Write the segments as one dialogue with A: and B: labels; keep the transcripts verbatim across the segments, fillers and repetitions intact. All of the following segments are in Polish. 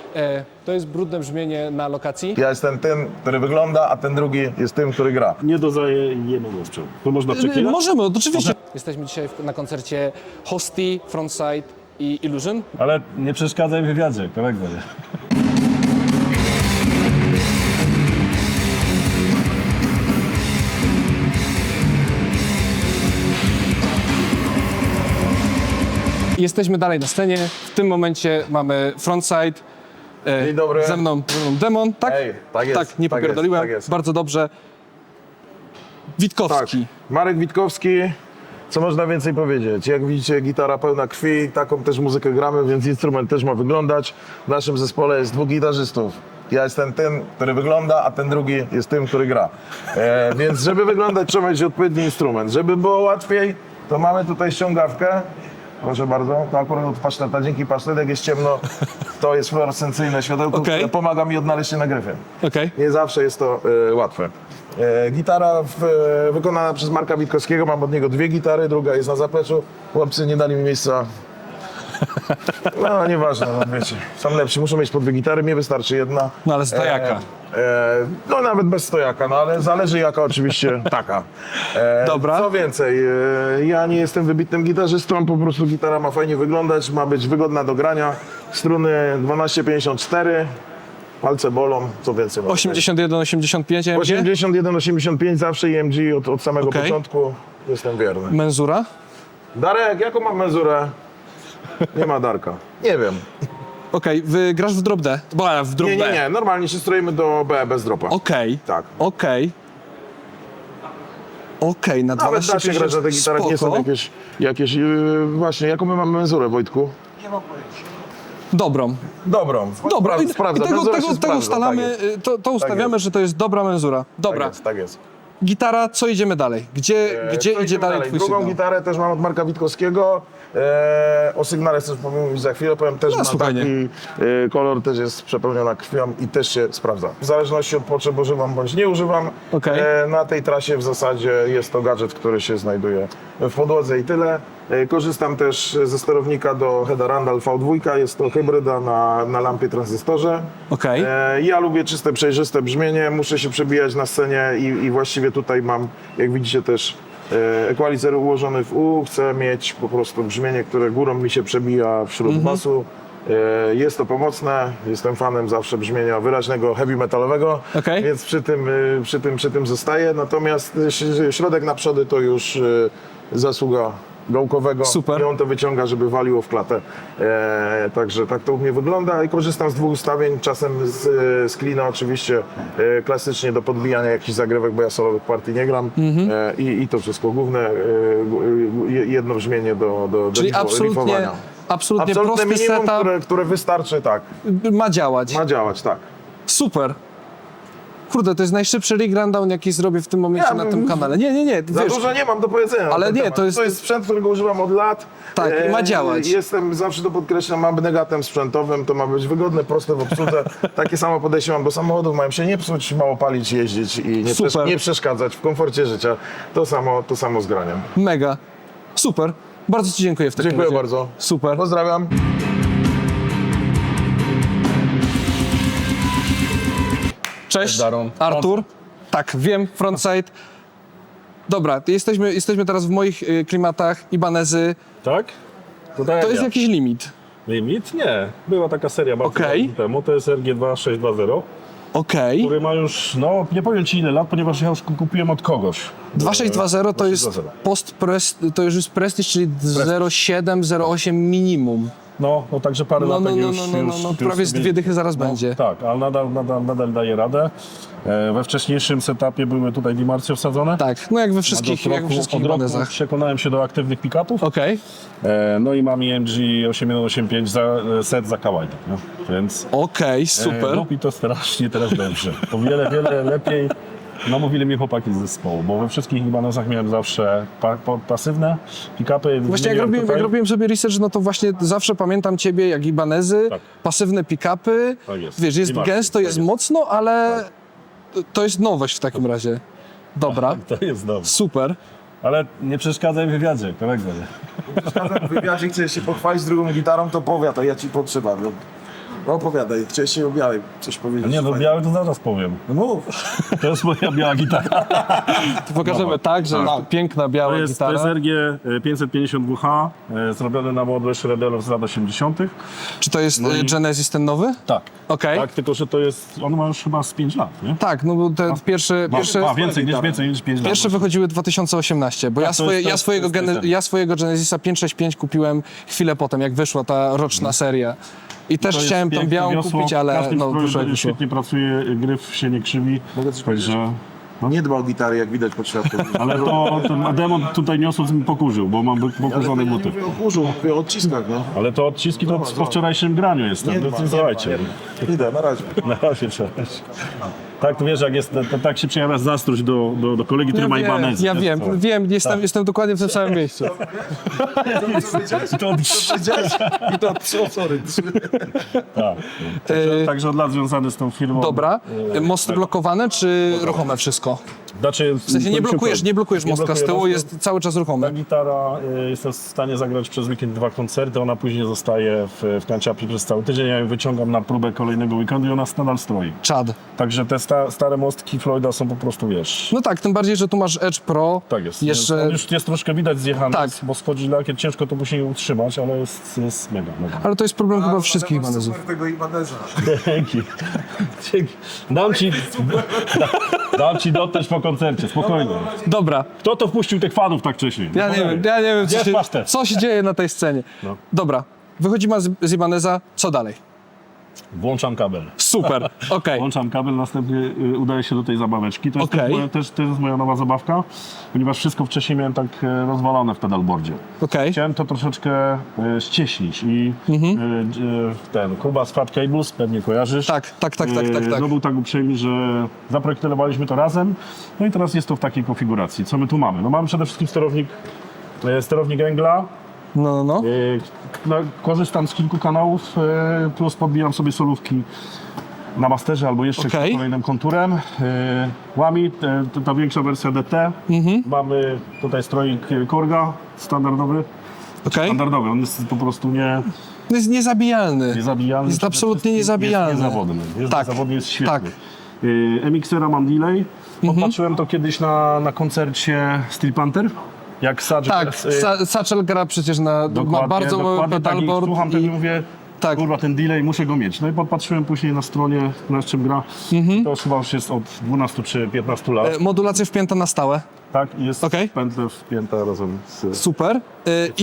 A: E, to jest brudne brzmienie na lokacji.
B: Ja jestem tym, który wygląda, a ten drugi jest tym, który gra.
C: Nie dozajemy głosczą. To można przeklinać?
A: Możemy, oczywiście. Jesteśmy dzisiaj w- na koncercie Hosty, Frontside i Illusion.
C: Ale nie przeszkadzaj w wywiadzie, kolego.
A: Jesteśmy dalej na scenie. W tym momencie mamy Frontside. E,
B: Dzień dobry.
A: Ze mną, ze mną Demon, tak?
B: Ej, tak jest,
A: Tak, nie
B: tak
A: popierdoliłem.
B: jest, tak jest.
A: Bardzo dobrze. Witkowski.
B: Tak, Marek Witkowski. Co można więcej powiedzieć? Jak widzicie, gitara pełna krwi, taką też muzykę gramy, więc instrument też ma wyglądać. W naszym zespole jest dwóch gitarzystów. Ja jestem tym, który wygląda, a ten drugi jest tym, który gra. E, więc żeby wyglądać, trzeba mieć odpowiedni instrument. Żeby było łatwiej, to mamy tutaj ściągawkę. Proszę bardzo, to akurat od paszteta. Dzięki pasztet, jak jest ciemno, to jest fluorescencyjne światełko,
A: Okej.
B: które pomaga mi odnaleźć się na gryfie.
A: Okej.
B: Nie zawsze jest to e, łatwe. E, gitara w, e, wykonana przez Marka Witkowskiego, mam od niego dwie gitary, druga jest na zapleczu. Chłopcy nie dali mi miejsca. No nieważne, no wiecie, są lepsi, muszą mieć po dwie gitary, mnie wystarczy jedna.
A: No ale stojaka.
B: E, e, no nawet bez stojaka, no ale zależy jaka oczywiście taka. E,
A: Dobra.
B: Co więcej, e, ja nie jestem wybitnym gitarzystą, po prostu gitara ma fajnie wyglądać, ma być wygodna do grania. Struny dwanaście pięćdziesiąt cztery, palce bolą, co więcej. mogę
A: osiemdziesiąt jeden osiemdziesiąt pięć M G.
B: osiemdziesiąt jeden osiemdziesiąt pięć zawsze i M G od, od samego
A: Okej.
B: początku. Jestem wierny.
A: Menzura.
B: Darek, jaką mam mezurę? Nie ma Darka. Nie wiem.
A: Okej, wy grasz w drop D. Bo a, w drop
B: Nie,
A: B.
B: nie, nie. Normalnie się stroimy do B bez dropa.
A: Okej.
B: Tak.
A: Okej. Okej, na
B: Nawet da się grać na tych gitarach, nie są
A: spoko.
B: jakieś... jakieś yy, właśnie, jaką my mamy mezurę, Wojtku?
A: Dobrą.
B: Dobrą.
A: Dobra,
B: Spra-
A: i,
B: sprawdza.
A: i tego,
B: Mezura
A: tego,
B: się
A: tego
B: sprawdza,
A: ustalamy,
B: tak jest.
A: y, to, to ustawiamy,
B: jest.
A: że to jest dobra menzura. Dobra,
B: Tak jest, tak jest.
A: gitara, co idziemy dalej? Gdzie,
B: E,
A: gdzie
B: co
A: idzie
B: idziemy
A: dalej twój
B: Drugą
A: sygnał?
B: gitarę też mam od Marka Witkowskiego. E, o sygnale też powiem już za chwilę, powiem też
A: No,
B: ma
A: spokojnie.
B: taki e, kolor, też jest przepełniona krwią i też się sprawdza. W zależności od potrzeb używam bądź nie używam.
A: Okej.
B: E, na tej trasie w zasadzie jest to gadżet, który się znajduje w podłodze i tyle. E, korzystam też ze sterownika do Heada Randall V dwa, jest to hybryda na, na lampie tranzystorze.
A: Okej.
B: E, ja lubię czyste, przejrzyste brzmienie, muszę się przebijać na scenie i, i właściwie tutaj mam, jak widzicie też, e, equalizer ułożony w U. Chcę mieć po prostu brzmienie, które górą mi się przebija wśród basu. E, jest to pomocne, jestem fanem zawsze brzmienia wyraźnego, heavy metalowego,
A: Okej.
B: więc przy tym, e, przy, tym, przy tym zostaję. Natomiast e, ś- środek na przody to już e, zasługa gałkowego.
A: Super.
B: I on to wyciąga, żeby waliło w klatę. E, także tak to u mnie wygląda i korzystam z dwóch ustawień, czasem z, z klina oczywiście e, klasycznie do podbijania jakichś zagrywek, bo ja solowych partii nie gram. E, i, I to wszystko główne, e, g- je- jedno brzmienie do, do,
A: Czyli
B: do rifo-
A: absolutnie,
B: rifowania.
A: absolutnie
B: Absolutne
A: prosty
B: minimum,
A: setup
B: które, które wystarczy, tak,
A: ma działać.
B: ma działać, tak.
A: Super. Kurde, to jest najszybszy rig rundown, jaki zrobię w tym momencie
B: Ja
A: na
B: bym-
A: tym kanale. Nie, nie, nie,
B: Za
A: wiesz,
B: dużo nie mam do powiedzenia. na
A: Ale
B: ten
A: nie,
B: temat.
A: to jest-
B: to jest sprzęt, którego używam od lat.
A: Tak, i ma działać.
B: Jestem, zawsze to podkreślam, abnegatem sprzętowym, to ma być wygodne, proste w obsłudze. Takie samo podejście mam do samochodów, mają się nie psuć, mało palić, jeździć i nie,
A: Super.
B: przesz- nie przeszkadzać w komforcie życia. To samo, to samo z graniem.
A: mega. Super. Bardzo ci dziękuję w takim
B: Dziękuję
A: razie.
B: bardzo.
A: Super.
B: Pozdrawiam.
A: Cześć,
B: Daron.
A: Artur. Tak, wiem, frontside. Dobra, to jesteśmy, jesteśmy teraz w moich y, klimatach, Ibanezy.
C: Tak? To, tak
A: To
C: jak
A: jest
C: ja.
A: jakiś limit.
C: Limit? Nie. Była taka seria bardzo
A: Okej.
C: dawno temu, to jest R G dwa sześć dwa zero,
A: Okej.
C: który ma już, no nie powiem ci ile lat, ponieważ ja już kupiłem od kogoś.
A: dwa sześć dwa zero to jest
C: dwa sześć dwa zero.
A: post -prest, to już jest Prestige, czyli zero siedem zero osiem minimum.
C: No, no także parę
A: No,
C: lat
A: no, no,
C: już,
A: no, no, no,
C: już,
A: no,
C: już
A: prawie z
C: sobie-
A: dwie dychy zaraz będzie.
C: Tak, ale nadal, nadal, nadal daje radę. E, we wcześniejszym setupie były tutaj dimarcje wsadzone.
A: Tak, no jak we
C: Od
A: wszystkich,
C: roku,
A: jak we wszystkich
C: od roku
A: Ibanezach.
C: przekonałem się do aktywnych pick-upów.
A: Okej,
C: E, no i mam I M G osiem jeden osiem pięć za, e, set za kawałek, no. Więc
A: okej,
C: e,
A: super.
C: robi to strasznie teraz dobrze. O wiele, wiele lepiej namówili mnie chłopaki z zespołu, bo we wszystkich Ibanezach miałem zawsze pa, pa, pasywne pick-upy.
A: Właśnie jak
C: Wymieniłem
A: robiłem,
C: tutaj.
A: jak robiłem sobie research, no to właśnie zawsze pamiętam ciebie jak Ibanezy,
C: Tak.
A: pasywne pick-upy,
C: Tak jest.
A: wiesz, jest
C: I marki,
A: gęsto,
C: tak
A: jest
C: jest.
A: mocno, ale to- to jest nowość w takim razie. Dobra,
C: To jest dobrze.
A: super.
C: Ale nie przeszkadzaj w wywiadzie, kolego.
B: W wywiadzie chcesz się pochwalić drugą gitarą, to powiat, a ja ci potrzebam. No opowiadaj, chciałeś się o białej coś powiedzieć.
C: Nie, no
B: Fajnie.
C: biały to zaraz powiem.
B: No mów.
C: To jest moja biała gitara.
A: To pokażemy tak, że
C: Tak.
A: piękna
C: To
A: biała
C: jest, to
A: gitara.
C: jest R G pięćset pięćdziesiąt W H, e, zrobione na modłę Shredelów z lat osiemdziesiątych.
A: Czy to jest
C: No
A: y,
C: i-
A: Genesis ten nowy?
C: Tak.
A: Okej.
C: Tak, tylko że to jest, on ma już chyba z pięć lat, nie?
A: Tak, no bo te pierwsze,
C: Ma,
A: pierwsze,
C: ma więcej, niż, więcej niż pięć lat.
A: pierwsze wychodziły dwa tysiące osiemnaście, bo ja,
C: to
A: swoje,
C: jest- to
A: ja,
C: jest-
A: swojego
C: to jest
A: gene,
C: ten.
A: ja swojego Genesisa pięćset sześćdziesiąt pięć kupiłem chwilę potem, jak wyszła ta roczna seria. I też
C: To jest
A: chciałem tą
C: piękne
A: białą
C: wiosło,
A: kupić,
C: w
A: ale
C: każdym
A: no,
C: stroju
A: wyszło jak wyszło.
C: świetnie pracuje, gryf się nie krzywi.
B: Mogę coś powiedzieć?
C: Także,
B: Nie dba o gitary, jak widać po światku.
C: ale to ten demon tutaj niosąc mi pokurzył, bo mam pokurzone
B: nie
C: buty.
B: mówię o kurzu, mówię o odciskach, no.
C: Ale to odciski to po wczorajszym graniu jest.
B: Nie
C: No,
B: ma,
C: to
B: nie
C: słuchajcie.
B: Idę, na razie.
C: Na razie cześć. Tak, to wiesz, jak jest, to, tak się przejawia zazdrość do, do, do kolegi, który
A: Ja
C: ma
A: wiem,
C: Ibanez.
A: ja wiem, wiem, jestem, jestem dokładnie w tym samym miejscu.
C: To,
B: I to, co, sorry.
C: tak. Także, także od lat związany z tą firmą.
A: Dobra, mosty blokowane czy ruchome wszystko?
C: Znaczy,
A: W sensie nie blokujesz, nie blokujesz mostka z tyłu,
C: mostu.
A: jest cały czas ruchomy.
C: Ta gitara, y, jestem w stanie zagrać przez weekend dwa koncerty, ona później zostaje w, w kanciapie przez cały tydzień, ja ją wyciągam na próbę kolejnego weekendu i ona nadal stroi.
A: Czad.
C: Także te sta, stare mostki Floyda są po prostu, wiesz,
A: No tak, tym bardziej, że tu masz Edge Pro.
C: tak jest.
A: Jeszcze...
C: On już jest troszkę widać zjechany,
A: Tak.
C: bo schodzi lakier, ciężko to później utrzymać, ale jest, jest mega, mega.
A: Ale to jest problem chyba wszystkich Ibanezów.
B: Super tego Ibaneza.
C: Dzięki. Dzięki. Dam ci, da, dam ci dotrzeć po koncercie, spokojnie.
A: Dobra,
C: Kto to wpuścił tych fanów tak wcześniej?
A: ja nie wiem, ja nie wiem, co
C: Gdzie
A: się,
C: pasztet?
A: co się dzieje na tej scenie.
C: No.
A: Dobra, wychodzimy z, z Ibaneza, co dalej?
C: Włączam kabel.
A: Super, okej.
C: Włączam kabel, następnie y, udaję się do tej zabaweczki. To jest,
A: Okej.
C: też, moja, też, to jest moja nowa zabawka, ponieważ wszystko wcześniej miałem tak e, rozwalone w pedalboardzie.
A: Okej.
C: Chciałem to troszeczkę e, ścieśnić i
A: Mhm.
C: e, d- e, ten Kuba z Fat Cables, pewnie kojarzysz.
A: Tak, tak, tak, tak, tak,
C: E,
A: tak.
C: No był tak uprzejmy, że zaprojektowaliśmy to razem, no i teraz jest to w takiej konfiguracji. Co my tu mamy? No mamy przede wszystkim sterownik, e, sterownik Engla.
A: No, no, no.
C: E, no, korzystam z kilku kanałów, e, plus podbijam sobie solówki na masterze albo jeszcze
A: Okej.
C: kolejnym konturem. E, Łami, e, to ta większa wersja D T.
A: Mhm.
C: Mamy tutaj stroik Korga standardowy.
A: Okej.
C: Standardowy, on jest po prostu nie,
A: No jest niezabijalny.
C: niezabijalny.
A: Jest
C: przede
A: absolutnie
C: wszystkim
A: niezabijalny.
C: Jest niezawodny. Jest
A: Tak,
C: niezawodny, jest świetny.
A: tak.
C: Y, M X era mam delay. Podpatrzyłem to kiedyś na, na koncercie Steel Panther. Jak Satch
A: Tak,
C: y,
A: Sa- Satchel gra przecież na, ma
C: dokładnie,
A: bardzo mały
C: dokładnie tak, i
A: pedalboard
C: słucham
A: i,
C: tego i mówię,
A: tak.
C: kurwa, ten delay muszę go mieć. No i podpatrzyłem później na stronie, na czym gra. To chyba już jest od dwunastu czy piętnastu lat.
A: e, modulacja wpięta na stałe.
C: tak, i jest
A: okej.
C: pętlę wpięta razem z...
A: Super. E,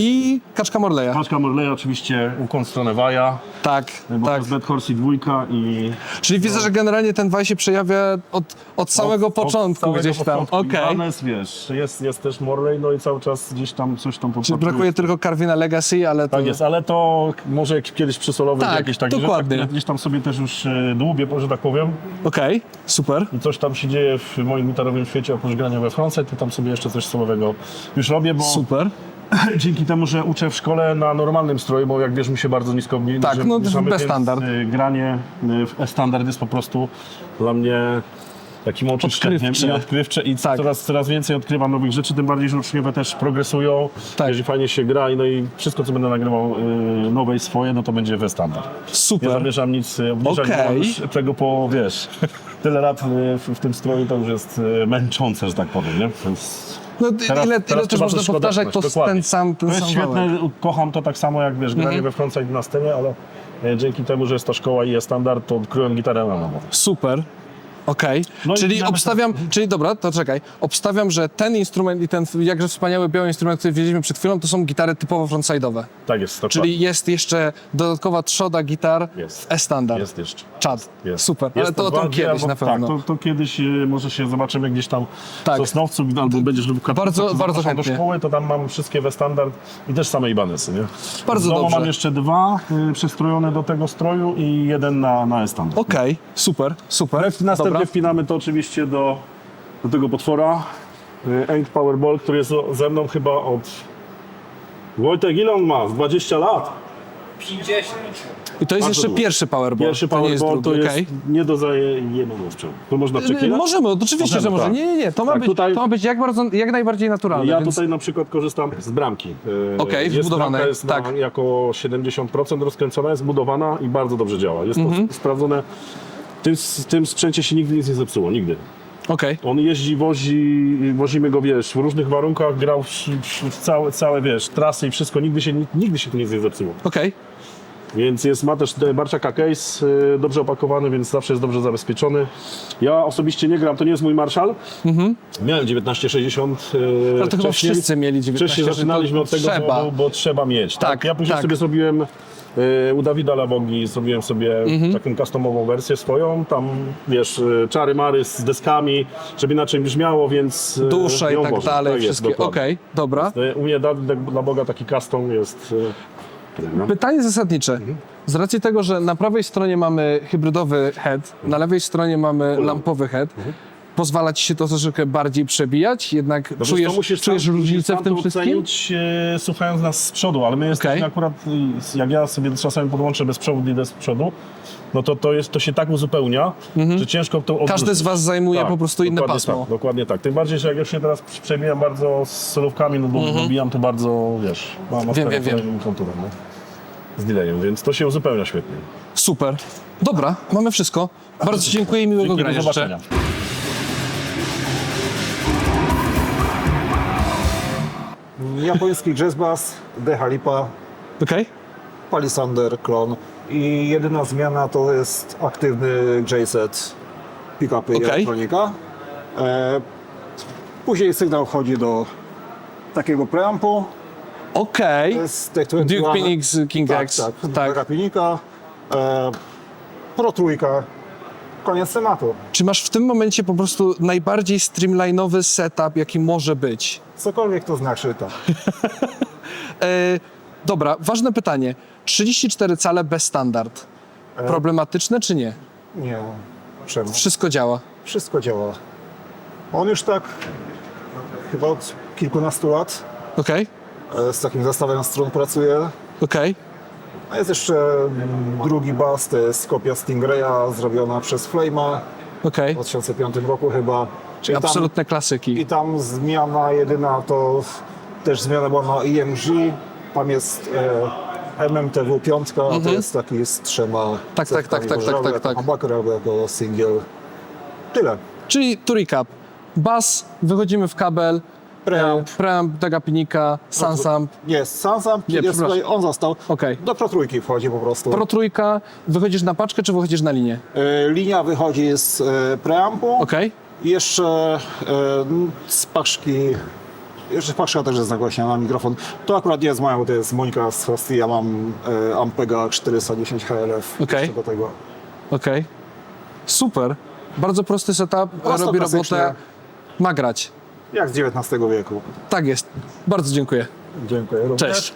A: I kaczka Morleya.
C: Paczka Morleya oczywiście, ukłon w stronę Waja,
A: Tak,
C: bo to
A: tak.
C: jest Bad Horsey dwójka i...
A: Czyli widzę, że generalnie ten Waj się przejawia od, od samego
C: Od-
A: początku
C: od samego
A: gdzieś tam.
C: początku.
A: Okej.
C: Ibanez, wiesz, jest, jest też Morley, no i cały czas gdzieś tam coś tam
A: Czyli
C: podpatruje.
A: brakuje tylko Carvina Legacy, ale to...
C: Tak jest, ale to może jak kiedyś przy solowych
A: Tak,
C: jakieś takie
A: dokładnie.
C: rzeczy, gdzieś tam sobie też już e, dłubię, że tak powiem.
A: Okej, super.
C: I coś tam się dzieje w moim gitarowym świecie, oprócz grania we frontside, to tam sobie jeszcze coś solowego już robię, bo
A: Super.
C: dzięki temu, że uczę w szkole na normalnym stroju, bo jak wiesz, mi się bardzo nisko obniży.
A: Tak, no,
C: obniżamy,
A: bez
C: więc,
A: standard.
C: y, Granie y, w E-standard jest po prostu dla mnie takim oczyszczeniem
A: Odkrywcze.
C: i odkrywcze i
A: Tak.
C: coraz, coraz więcej odkrywam nowych rzeczy, tym bardziej, że uczniowie też progresują,
A: Tak.
C: jeżeli fajnie się gra i no i wszystko, co będę nagrywał y, nowe i swoje, no to będzie w E-standard. Nie
A: Super.
C: zamierzam nic y, obniżać,
A: Okej.
C: bo już tego po, wiesz, tyle lat y, w, w tym stroju to już jest y, męczące, że tak powiem, nie? Więc...
A: No,
C: Teraz-
A: ile,
C: teraz
A: ile też
C: trzeba
A: można
C: też
A: powtarzać to
C: składać, dokładnie.
A: ten sam, ten
C: To jest
A: sam
C: świetne,
A: wałek.
C: kocham to tak samo jak wiesz, granie
A: Mhm.
C: we frontside na scenie, ale e, dzięki temu, że jest ta szkoła i jest standard, to odkryłem gitarę na nowo.
A: Super. Okej.
C: No i
A: Czyli
C: nawet-
A: obstawiam, czyli dobra, to czekaj. Obstawiam, że ten instrument i ten jakże wspaniały biały instrument, który widzieliśmy przed chwilą, to są gitary typowo frontside'owe.
C: Tak jest, to
A: Czyli jest jeszcze dodatkowa trzoda gitar
C: Jest.
A: w E-standard.
C: jest jeszcze.
A: Czad.
C: Jest.
A: Super.
C: Jest
A: Ale to o tym
C: bardziej,
A: kiedyś
C: albo-
A: na pewno.
C: Tak, to, to kiedyś e, może się zobaczymy gdzieś tam
A: Tak.
C: w Sosnowcu, albo będziesz lub w Katowicach,
A: Bardzo-
C: to
A: bardzo
C: zapraszam do
A: chętnie.
C: szkoły, to tam mam wszystkie we standard i też same Ibanesy, nie?
A: Bardzo
C: W domu
A: dobrze.
C: mam jeszcze dwa y, przestrojone do tego stroju i jeden na, na E-standard.
A: Okej, super, super.
C: Następnie
A: Dobra.
C: wpinamy to oczywiście do, do tego potwora. y, Eng Powerball, który jest o- ze mną chyba od... Wojtek, ile on ma? Z dwadzieścia lat?
D: pięćdziesiąt.
A: I to jest
C: Bardzo
A: jeszcze
C: dużo.
A: pierwszy powerball,
C: Pierwszy
A: to nie jest
C: powerball
A: drugi,
C: to jest
A: okej.
C: nie do zajęcia sprzętu. To można przeklinać?
A: Możemy, oczywiście,
C: Możemy,
A: że może.
C: tak.
A: Nie, nie, nie, to ma,
C: Tak,
A: być,
C: tutaj-
A: to ma być jak, bardzo, jak najbardziej naturalne.
C: Ja
A: więc...
C: tutaj na przykład korzystam z bramki. E,
A: Okej,
C: jest
A: wbudowanej,
C: bramka jest
A: tak.
C: na, jako siedemdziesiąt procent rozkręcona, jest budowana i bardzo dobrze działa. Jest
A: Mhm.
C: to sprawdzone. W tym, w tym sprzęcie się nigdy nic nie zepsuło, nigdy.
A: Okej,
C: On jeździ, wozi, wozimy go, wiesz, w różnych warunkach, grał w, w, w całe, całe, wiesz, trasy i wszystko, nigdy się, nigdy się tu nic nie zepsuło.
A: okej.
C: Więc jest, ma też Barczaka case, y, dobrze opakowany, więc zawsze jest dobrze zabezpieczony. Ja osobiście nie gram, to nie jest mój Marszal. Miałem dziewiętnaście sześćdziesiąt. y,
A: Mhm. Ale to chyba
C: wcześniej.
A: wszyscy mieli dziewiętnaście
C: Wcześniej
A: sześćdziesiąt,
C: zaczynaliśmy od tego,
A: trzeba.
C: Bo, bo trzeba mieć. Tak.
A: Tak,
C: Ja później
A: tak.
C: sobie zrobiłem y, u Dawida Labogi, zrobiłem sobie
A: Mhm.
C: taką customową wersję swoją, tam wiesz, y, czary mary z deskami, żeby inaczej brzmiało, więc y,
A: Dusza i
C: ją
A: tak
C: wożę.
A: dalej,
C: Tak jest,
A: wszystkie.
C: dokładnie.
A: Okej, dobra.
C: Y, U mnie Dawid Laboga taki custom jest. y, no.
A: Pytanie zasadnicze. Z racji tego, że na prawej stronie mamy hybrydowy head, na lewej stronie mamy lampowy head, pozwala ci się to troszeczkę bardziej przebijać? Jednak
C: No wiesz,
A: czujesz,
C: to musisz
A: czujesz
C: sam- musisz
A: różnicę
C: sam
A: w tym
C: to
A: wszystkim?
C: ocenić, e, słuchając nas z przodu, ale my jesteśmy
A: Okej.
C: akurat, y, jak ja sobie czasami podłączę bez przodu, idę z przodu, no to to, jest, to się tak uzupełnia, że ciężko to odwrócić.
A: Każdy z was zajmuje po prostu inne
C: dokładnie
A: pasmo.
C: Tak, dokładnie tak. Tym bardziej, że jak już się teraz przebijam bardzo z solówkami, no bo dobijam to bardzo, wiesz, mam
A: Mhm. Wiem, wiem, wiem.
C: wiem. konturem, no. Z delayem, więc to się uzupełnia świetnie.
A: Super. Dobra, mamy wszystko. Bardzo dziękuję i miłego
C: Dzięki,
A: grania
C: do
A: życzę.
C: zobaczenia.
D: Japoński jazz bass, Deha Lipa,
A: Okej?
D: Palisander, klon i jedyna zmiana to jest aktywny J-set, pick-upy i
A: Okej.
D: elektronika. E, później sygnał wchodzi do takiego preampu.
A: Okej.
D: To jest Tech dwadzieścia
A: Duke
D: jeden.
A: Phoenix King
D: Tak,
A: X.
D: tak,
A: Tak.
D: tak. Pinika, e, Pro trójka, koniec tematu.
A: Czy masz w tym momencie po prostu najbardziej streamline'owy setup, jaki może być?
D: Cokolwiek to znaczy, tak.
A: E, dobra, ważne pytanie. trzydzieści cztery cale bez standard. Problematyczne czy nie?
D: Nie, czemu?
A: Wszystko działa.
D: Wszystko działa. On już tak chyba od kilkunastu lat
A: Okej?
D: e, z takim zestawem strun pracuje.
A: Okej?
D: A jest jeszcze mm, drugi bas, to jest kopia Stingraya zrobiona przez Flame'a
A: Okej?
D: w dwa tysiące piątym roku chyba.
A: Czyli
D: I tam,
A: absolutne
D: I
A: klasyki.
D: tam zmiana jedyna to też zmiana była na E M G. Tam jest e, M M T W pięć, a to jest taki z trzema
A: Mhm. Tak, tak, tak, tak, tak, tak, tak.
D: Humbucker albo jako single. Tyle.
A: Czyli to recap. Bas, wychodzimy w kabel,
D: Preamp.
A: e, preamp, Tagapinika, Sansamp,
D: Jest Sansamp,
A: Nie,
D: jest
A: przepraszam.
D: tutaj, on został.
A: Okej.
D: Do Pro trójki wchodzi po prostu.
A: Pro trójka, wychodzisz na paczkę, czy wychodzisz na linię?
D: E, linia wychodzi z e, preampu.
A: Okej?
D: I jeszcze e, z paczki, jeszcze paczka też jest nagłaśniana na mikrofon. To akurat nie jest moja, bo to jest Monika z Hosty. Ja mam e, Ampega czterysta dziesięć H L F.
A: Okej.
D: Jeszcze do tego.
A: Okej. Super. Bardzo prosty setup,
D: Prosto,
A: robi
D: klasycznie.
A: robotę, ma grać.
D: Jak z dziewiętnastego wieku.
A: Tak jest. Bardzo dziękuję.
D: Dziękuję również.
A: Cześć.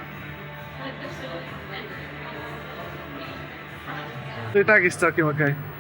A: To i tak jest całkiem okej.